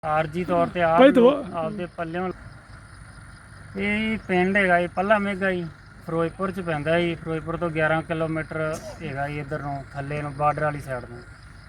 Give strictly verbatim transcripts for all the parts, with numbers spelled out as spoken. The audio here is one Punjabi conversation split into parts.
ਆਰਜੀ ਤੌਰ ਤੇ ਆਪ ਆਪਦੇ ਪੱਲਿਓਂ ਇਹ ਪਿੰਡ ਹੈਗਾ ਜੀ ਪੱਲਾ ਮੇਗਾ ਜੀ, ਫਿਰੋਜ਼ਪੁਰ 'ਚ ਪੈਂਦਾ ਜੀ। ਫਿਰੋਜ਼ਪੁਰ ਤੋਂ ਗਿਆਰਾਂ ਕਿਲੋਮੀਟਰ ਹੈਗਾ ਜੀ ਇੱਧਰ ਨੂੰ, ਥੱਲੇ ਨੂੰ ਬਾਰਡਰ ਵਾਲੀ ਸਾਈਡ ਨੂੰ।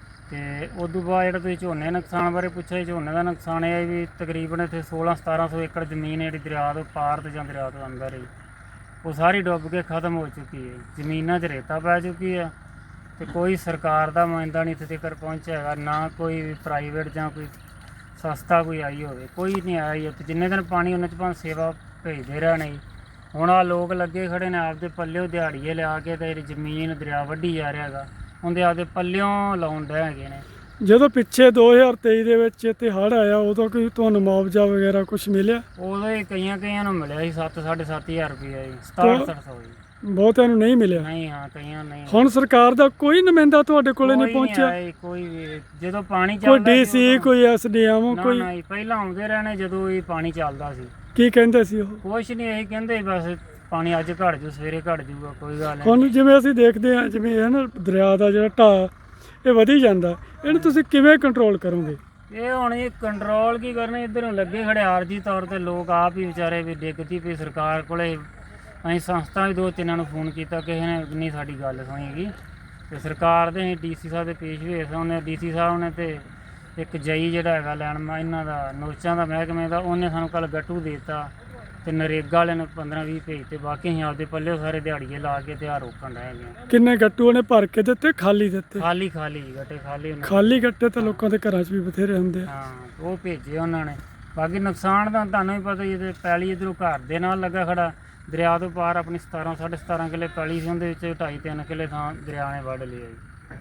ਅਤੇ ਉਦੋਂ ਬਾਅਦ ਜਿਹੜਾ ਤੁਸੀਂ ਝੋਨੇ ਨੁਕਸਾਨ ਬਾਰੇ ਪੁੱਛਿਆ ਜੀ, ਝੋਨੇ ਦਾ ਨੁਕਸਾਨ ਇਹ ਹੈ ਵੀ ਤਕਰੀਬਨ ਇੱਥੇ ਸੋਲਾਂ ਸਤਾਰਾਂ ਸੌ ਏਕੜ ਜ਼ਮੀਨ ਜਿਹੜੀ ਦਰਿਆ ਤੋਂ ਪਾਰ ਤੇ ਜਾਂ ਦਰਿਆ ਤੋਂ ਅੰਦਰ ਹੀ ਉਹ ਸਾਰੀ ਡੁੱਬ ਕੇ ਖਤਮ ਹੋ ਚੁੱਕੀ ਹੈ। ਜ਼ਮੀਨਾਂ 'ਚ ਰੇਤਾ ਪੈ ਚੁੱਕੀ ਹੈ ਅਤੇ ਕੋਈ ਸਰਕਾਰ ਦਾ ਨੁਮਾਇੰਦਾ ਨਹੀਂ ਇੱਥੇ ਤੱਕ ਪਹੁੰਚਿਆ ਹੈਗਾ, ਨਾ ਕੋਈ ਵੀ ਪ੍ਰਾਈਵੇਟ ਜਾਂ ਕੋਈ ਸਸਤਾ ਕੋਈ ਆਈ ਹੋਵੇ, ਕੋਈ ਨਹੀਂ ਆਇਆ ਜੀ ਉੱਥੇ। ਜਿੰਨੇ ਦਿਨ ਪਾਣੀ ਉਹਨਾਂ 'ਚ ਭਾਵੇਂ ਸੇਵਾ ਭੇਜਦੇ ਰਹਿਣੇ ਜੀ। ਹੁਣ ਆਹ ਲੋਕ ਲੱਗੇ ਖੜੇ ਨੇ ਆਪਦੇ ਪੱਲਿਓ ਦਿਹਾੜੀਏ ਲਿਆ ਕੇ ਅਤੇ ਜ਼ਮੀਨ ਦਰਿਆ ਵੱਢੀ ਜਾ ਰਿਹਾ ਹੈਗਾ, ਉਹਦੇ ਆਪਦੇ ਪੱਲਿਓਂ ਲਾਉਣ ਡਏ ਹੈਗੇ ਨੇ। ਜਦੋਂ ਪਿੱਛੇ ਦੋ ਹਜ਼ਾਰ ਤੇਈ ਦੇ ਵਿੱਚ ਇੱਥੇ ਹੜ੍ਹ ਆਇਆ ਉਦੋਂ ਕੋਈ ਤੁਹਾਨੂੰ ਮੁਆਵਜ਼ਾ ਵਗੈਰਾ ਕੁਛ ਮਿਲਿਆ? ਉਦੋਂ ਹੀ ਕਈਆਂ ਕਈਆਂ ਨੂੰ ਮਿਲਿਆ ਸੀ ਸੱਤ ਸਾਢੇ ਸੱਤ ਹਜ਼ਾਰ ਰੁਪਈਆ ਜੀ, ਸਤਾਹਠ ਸੱਠ ਸੌ ਜੀ। ਬਹੁਤਿਆਂ ਨੂੰ ਨਹੀਂ ਮਿਲਿਆ? ਨਹੀਂ, ਹਾਂ ਕਈਆਂ ਨਹੀਂ। ਹੁਣ ਸਰਕਾਰ ਦਾ ਕੋਈ ਨੁਮਾਇੰਦਾ ਤੁਹਾਡੇ ਕੋਲੇ ਨਹੀਂ ਪਹੁੰਚਿਆ? ਕੋਈ ਵੀ ਜਦੋਂ ਪਾਣੀ ਚੱਲਦਾ, ਕੋਈ ਡੀਸੀ ਕੋਈ ਐਸਡੀਐਮ ਕੋਈ? ਨਹੀਂ, ਪਹਿਲਾਂ ਆਉਂਦੇ ਰਹਿਣੇ ਜਦੋਂ ਇਹ ਪਾਣੀ ਚੱਲਦਾ ਸੀ। ਕੀ ਕਹਿੰਦੇ ਸੀ ਉਹ? ਕੁਛ ਨਹੀਂ, ਇਹੀ ਕਹਿੰਦੇ ਬਸ ਪਾਣੀ ਅੱਜ ਘੱਟ ਜੂ ਸਵੇਰੇ ਘੱਟ ਜੂਗਾ, ਕੋਈ ਗੱਲ ਨਹੀਂ। ਹੁਣ ਜਿਵੇਂ ਅਸੀਂ ਦੇਖਦੇ ਹਾਂ ਜਿਵੇਂ ਹੈ ਨਾ ਦਰਿਆ ਦਾ ਜਿਹੜਾ ਢਾਹ ਇਹ ਵਧੀ ਜਾਂਦਾ, ਇਹਨੂੰ ਤੁਸੀਂ ਕਿਵੇਂ ਕੰਟਰੋਲ ਕਰੋਗੇ? ਇਹ ਹੁਣ ਇਹ ਕੰਟਰੋਲ ਕੀ ਕਰਨਾ, ਇੱਧਰ ਨੂੰ ਲੱਗੇ ਖੜੇ ਆਰਜੀ ਤੌਰ ਤੇ ਲੋਕ ਆਪ ਹੀ ਵਿਚਾਰੇ ਵੀ ਡਿੱਗਦੀ ਪਈ ਸਰਕਾਰ ਕੋਲੇ। ਅਸੀਂ ਸੰਸਥਾ ਵੀ ਦੋ ਤਿੰਨਾਂ ਨੂੰ ਫੋਨ ਕੀਤਾ, ਕਿਸੇ ਨੇ ਨਹੀਂ ਸਾਡੀ ਗੱਲ ਸੁਣੀ ਹੈਗੀ। ਅਤੇ ਸਰਕਾਰ ਦੇ ਅਸੀਂ ਡੀ ਸੀ ਸਾਹਿਬ ਦੇ ਪੇਸ਼ ਹੋਏ ਸਾਂ, ਉਹਨੇ ਡੀ ਸੀ ਸਾਹਿਬ ਨੇ ਅਤੇ ਇੱਕ ਜਈ ਜਿਹੜਾ ਹੈਗਾ ਲੈਣ ਇਹਨਾਂ ਦਾ ਨੋਚਾਂ ਦਾ ਮਹਿਕਮੇ ਦਾ, ਉਹਨੇ ਸਾਨੂੰ ਕੱਲ੍ਹ ਗੱਟੂ ਦੇ ਦਿੱਤਾ ਅਤੇ ਨਰੇਗਾ ਵਾਲੇ ਨੇ ਪੰਦਰਾਂ ਵੀਹ ਭੇਜਤੇ। ਬਾਕੀ ਅਸੀਂ ਆਪਦੇ ਪੱਲੇ ਸਾਰੇ ਦਿਹਾੜੀਏ ਲਾ ਕੇ ਤਿਆਰ ਰੋਕਣ ਰਹੇ ਹੈਗੇ। ਕਿੰਨੇ ਗੱਟੂ ਉਹਨੇ ਭਰ ਕੇ ਦਿੱਤੇ ਖਾਲੀ ਦਿੱਤੇ? ਖਾਲੀ ਖਾਲੀ ਗੱਟੇ ਖਾਲੀ ਖਾਲੀ ਗੱਟੇ ਤਾਂ ਲੋਕਾਂ ਦੇ ਘਰਾਂ 'ਚ ਵੀ ਬਥੇਰੇ ਹੁੰਦੇ। ਹਾਂ, ਉਹ ਭੇਜੇ ਉਹਨਾਂ ਨੇ। ਬਾਕੀ ਨੁਕਸਾਨ ਦਾ ਤੁਹਾਨੂੰ ਵੀ ਪਤਾ ਜੀ, ਪੈਲੀ ਇੱਧਰੋਂ ਘਰ ਦੇ ਨਾਲ ਲੱਗਾ ਖੜਾ, ਦਰਿਆ ਤੋਂ ਪਾਰ ਆਪਣੀ ਸਤਾਰਾਂ ਸਾਢੇ ਸਤਾਰਾਂ ਕਿੱਲੇ ਪੈਲੀ ਸੀ, ਉਹਦੇ ਵਿੱਚ ਢਾਈ ਤਿੰਨ ਕਿੱਲੇ ਥਾਂ ਦਰਿਆ ਨੇ ਵੱਢ ਲਿਆ ਜੀ।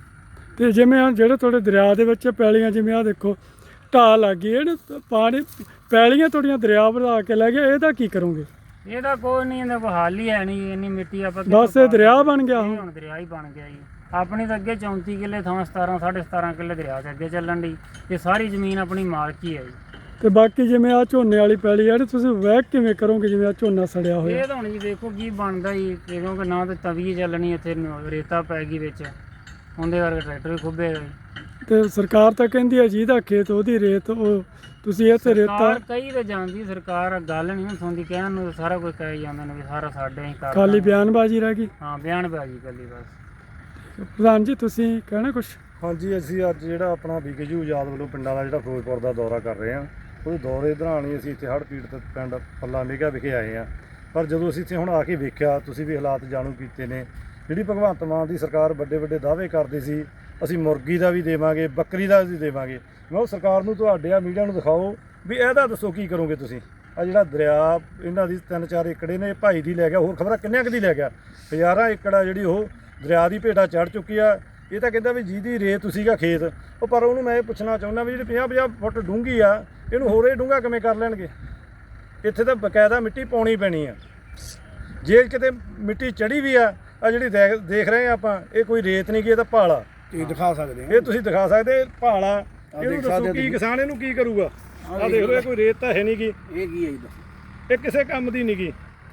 ਅਤੇ ਜਿਵੇਂ ਆ ਜਿਹੜੇ ਤੁਹਾਡੇ ਦਰਿਆ ਦੇ ਵਿੱਚ ਪੈਲੀਆਂ, ਜਿਵੇਂ ਆਹ ਦੇਖੋ ਢਾਹ ਲੱਗ ਗਈ, ਇਹਨੂੰ ਪਾਣੀ ਪੈਲੀਆਂ ਤੁਹਾਡੀਆਂ ਦਰਿਆ ਵਧਾ ਕੇ ਲੈ ਗਿਆ, ਇਹਦਾ ਕੀ ਕਰੋਗੇ? ਇਹਦਾ ਕੋਈ ਨਹੀਂ, ਇਹਦਾ ਕੋਈ ਹੱਲ ਹੀ ਹੈ ਨਹੀਂ। ਇੰਨੀ ਮਿੱਟੀ ਆਪਾਂ ਬਸ ਇਹ ਦਰਿਆ ਬਣ ਗਿਆ, ਹੁਣ ਦਰਿਆ ਹੀ ਬਣ ਗਿਆ ਜੀ। ਆਪਣੀ ਤਾਂ ਅੱਗੇ ਚੌਂਤੀ ਕਿੱਲੇ ਥਾਂ ਸਤਾਰਾਂ ਸਾਢੇ ਸਤਾਰਾਂ ਕਿੱਲੇ ਦਰਿਆ 'ਚ ਅੱਗੇ ਚੱਲਣ ਦੀ, ਇਹ ਸਾਰੀ ਜ਼ਮੀਨ ਆਪਣੀ ਮਾਲਕੀ ਹੈ ਜੀ। ਅਤੇ ਬਾਕੀ ਜਿਵੇਂ ਆਹ ਝੋਨੇ ਵਾਲੀ ਪੈਲੀ ਹੈ, ਤੁਸੀਂ ਵਹਿ ਕਿਵੇਂ ਕਰੋਗੇ ਜਿਵੇਂ ਆਹ ਝੋਨਾ ਸੜਿਆ ਹੋਇਆ? ਇਹ ਤਾਂ ਹੁਣ ਜੀ ਦੇਖੋ ਕੀ ਬਣਦਾ ਜੀ, ਕਿਉਂਕਿ ਨਾ ਤਾਂ ਤਵੀ ਚੱਲਣੀ, ਇੱਥੇ ਰੇਤਾ ਪੈ ਗਈ ਵਿੱਚ, ਉਹਦੇ ਕਰਕੇ ਟਰੈਕਟਰ ਵੀ ਖੁੱਬੇਗਾ ਜੀ। ਅਤੇ ਸਰਕਾਰ ਤਾਂ ਕਹਿੰਦੀ ਹੈ ਜਿਹਦਾ ਖੇਤ ਉਹਦੀ ਰੇਤ, ਉਹ ਤੁਸੀਂ ਇੱਥੇ ਰੇਤਾ ਕਈ ਤਾਂ ਜਾਂਦੀ ਸਰਕਾਰ, ਗੱਲ ਨਹੀਂ ਸੁਣਦੀ, ਕਹਿਣ ਨੂੰ ਸਾਰਾ ਕੁਝ ਕਹੀ ਜਾਂਦੇ ਨੇ ਵੀ ਸਾਰਾ ਸਾਡੇ ਹੀ ਕਰ, ਖਾਲੀ ਬਿਆਨਬਾਜ਼ੀ ਰਹਿ ਗਈ। ਹਾਂ, ਬਿਆਨਬਾਜ਼ੀ ਇਕੱਲੀ ਬਸ। ਪ੍ਰਧਾਨ ਜੀ ਤੁਸੀਂ ਕਹਿਣਾ ਕੁਛ? ਹਾਂਜੀ, ਅਸੀਂ ਅੱਜ ਜਿਹੜਾ ਆਪਣਾ ਵਿਕੇਯੂ ਆਜ਼ਾਦ ਵੱਲੋਂ ਪਿੰਡਾਂ ਦਾ ਜਿਹੜਾ ਫਿਰੋਜ਼ਪੁਰ ਦਾ ਦੌਰਾ ਕਰ ਰਹੇ ਹਾਂ, ਉਹਦੇ ਦੌਰੇ ਦੌਰਾਨ ਹੀ ਅਸੀਂ ਇੱਥੇ ਹੜ੍ਹ ਪੀੜਤ ਪਿੰਡ ਪੱਲਾ ਮੇਗਾ ਵਿਖੇ ਆਏ ਹਾਂ। ਪਰ ਜਦੋਂ ਅਸੀਂ ਇੱਥੇ ਹੁਣ ਆ ਕੇ ਵੇਖਿਆ, ਤੁਸੀਂ ਵੀ ਹਾਲਾਤ ਜਾਣੂ ਕੀਤੇ ਨੇ, ਜਿਹੜੀ ਭਗਵੰਤ ਮਾਨ ਦੀ ਸਰਕਾਰ ਵੱਡੇ ਵੱਡੇ ਦਾਅਵੇ ਕਰਦੀ ਸੀ, ਅਸੀਂ ਮੁਰਗੀ ਦਾ ਵੀ ਦੇਵਾਂਗੇ, ਬੱਕਰੀ ਦਾ ਵੀ ਦੇਵਾਂਗੇ। ਮੈਂ ਉਹ ਸਰਕਾਰ ਨੂੰ ਤੁਹਾਡੇ ਆ ਮੀਡੀਆ ਨੂੰ ਦਿਖਾਓ ਵੀ ਇਹਦਾ ਦੱਸੋ ਕੀ ਕਰੋਗੇ ਤੁਸੀਂ। ਆ ਜਿਹੜਾ ਦਰਿਆ ਇਹਨਾਂ ਦੀ ਤਿੰਨ ਚਾਰ ਏਕੜੇ ਨੇ, ਭਾਈ ਦੀ ਲੈ ਗਿਆ, ਹੋਰ ਖਬਰਾਂ ਕਿੰਨਿਆਂ ਕੁ ਦੀ ਲੈ ਗਿਆ, ਹਜ਼ਾਰਾਂ ਏਕੜ ਆ ਜਿਹੜੀ ਉਹ ਦਰਿਆ ਦੀ ਭੇਟਾ ਚੜ੍ਹ ਚੁੱਕੀ ਆ। ਇਹ ਤਾਂ ਕਹਿੰਦਾ ਵੀ ਜਿਹਦੀ ਰੇਤ ਸੀਗਾ ਖੇਤ ਉਹ, ਪਰ ਉਹਨੂੰ ਮੈਂ ਇਹ ਪੁੱਛਣਾ ਚਾਹੁੰਦਾ ਵੀ ਜਿਹੜੀ ਪੰਜਾਹ ਪੰਜਾਹ ਫੁੱਟ ਡੂੰਘੀ ਆ, ਇਹਨੂੰ ਹੋਰ ਇਹ ਡੂੰਘਾ ਕਿਵੇਂ ਕਰ ਲੈਣਗੇ? ਇੱਥੇ ਤਾਂ ਬਕਾਇਦਾ ਮਿੱਟੀ ਪਾਉਣੀ ਪੈਣੀ ਆ। ਜੇ ਕਿਤੇ ਮਿੱਟੀ ਚੜ੍ਹੀ ਵੀ ਆ, ਆ ਜਿਹੜੀ ਦੇਖ ਦੇਖ ਰਹੇ ਆ ਆਪਾਂ, ਇਹ ਕੋਈ ਰੇਤ ਨਹੀਂ ਗੀ, ਇਹ ਤਾਂ ਭਾਲਾ। ਤੁਸੀਂ ਦਿਖਾ ਸਕਦੇ ਹੋ, ਇਹ ਤੁਸੀਂ ਦਿਖਾ ਸਕਦੇ ਭਾਲਾ। ਇਹਨੂੰ ਦੱਸੋ ਕੀ ਕਿਸਾਨ ਇਹਨੂੰ ਕੀ ਕਰੂਗਾ? ਆਹ ਦੇਖ ਲਓ, ਇਹ ਕੋਈ ਰੇਤ ਤਾਂ ਹੈ ਨਹੀਂ ਗੀ, ਇਹ ਕੀ ਹੈ ਜੀ ਦੱਸੋ? ਇਹ ਕਿਸੇ ਕੰਮ ਦੀ ਨਹੀਂ ਗੀ।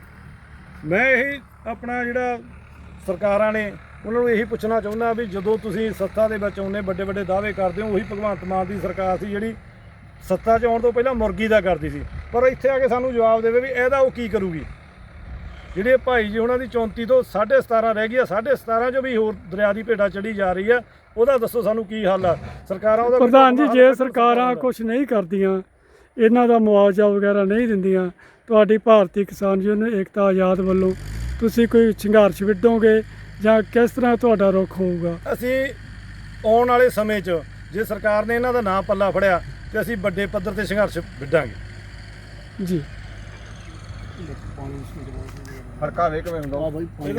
ਮੈਂ ਇਹੀ ਆਪਣਾ ਜਿਹੜਾ ਸਰਕਾਰਾਂ ਨੇ ਉਹਨਾਂ ਨੂੰ ਇਹੀ ਪੁੱਛਣਾ ਚਾਹੁੰਦਾ ਵੀ ਜਦੋਂ ਤੁਸੀਂ ਸੱਤਾ ਦੇ ਵਿੱਚ ਆਉਂਦੇ ਵੱਡੇ ਵੱਡੇ ਦਾਅਵੇ ਕਰਦੇ ਹੋ, ਉਹੀ ਭਗਵੰਤ ਮਾਨ ਦੀ ਸਰਕਾਰ ਸੀ ਜਿਹੜੀ ਸੱਤਾ 'ਚ ਆਉਣ ਤੋਂ ਪਹਿਲਾਂ ਮੁਰਗੀ ਦਾ ਕਰਦੀ ਸੀ, ਪਰ ਇੱਥੇ ਆ ਕੇ ਸਾਨੂੰ ਜਵਾਬ ਦੇਵੇ ਵੀ ਇਹਦਾ ਉਹ ਕੀ ਕਰੂਗੀ। ਜਿਹੜੇ ਭਾਈ ਜੀ ਉਹਨਾਂ ਦੀ ਚੌਂਤੀ ਤੋਂ ਸਾਢੇ ਸਤਾਰਾਂ ਰਹਿ ਗਈ ਆ, ਸਾਢੇ ਸਤਾਰਾਂ 'ਚੋਂ ਵੀ ਹੋਰ ਦਰਿਆ ਦੀ ਭੇਟਾ ਚੜੀ ਜਾ ਰਹੀ ਆ, ਉਹਦਾ ਦੱਸੋ ਸਾਨੂੰ ਕੀ ਹੱਲ ਆ ਸਰਕਾਰਾਂ ਉਹਦਾ? ਪ੍ਰਧਾਨ ਜੀ, ਜੇ ਸਰਕਾਰਾਂ ਕੁਛ ਨਹੀਂ ਕਰਦੀਆਂ, ਇਹਨਾਂ ਦਾ ਮੁਆਵਜ਼ਾ ਵਗੈਰਾ ਨਹੀਂ ਦਿੰਦੀਆਂ, ਤੁਹਾਡੀ ਭਾਰਤੀ ਕਿਸਾਨ ਯੂਨੀਅਨ ਏਕਤਾ ਆਜ਼ਾਦ ਵੱਲੋਂ ਤੁਸੀਂ ਕੋਈ ਸੰਘਰਸ਼ ਵਿੱਢੋਗੇ ਜਾਂ ਕਿਸ ਤਰ੍ਹਾਂ ਤੁਹਾਡਾ ਰੁਖ ਹੋਊਗਾ? ਅਸੀਂ ਆਉਣ ਵਾਲੇ ਸਮੇਂ 'ਚ ਜੇ ਸਰਕਾਰ ਨੇ ਇਹਨਾਂ ਦਾ ਨਾਂ ਪੱਲਾ ਫੜਿਆ ਤੇ ਅਸੀਂ ਵੱਡੇ ਪੱਧਰ 'ਤੇ ਸੰਘਰਸ਼ ਵਿੱਢਾਂਗੇ ਜੀ। ਫਰਕਾ ਵੇ ਕਿਵੇਂ ਹੁੰਦਾ?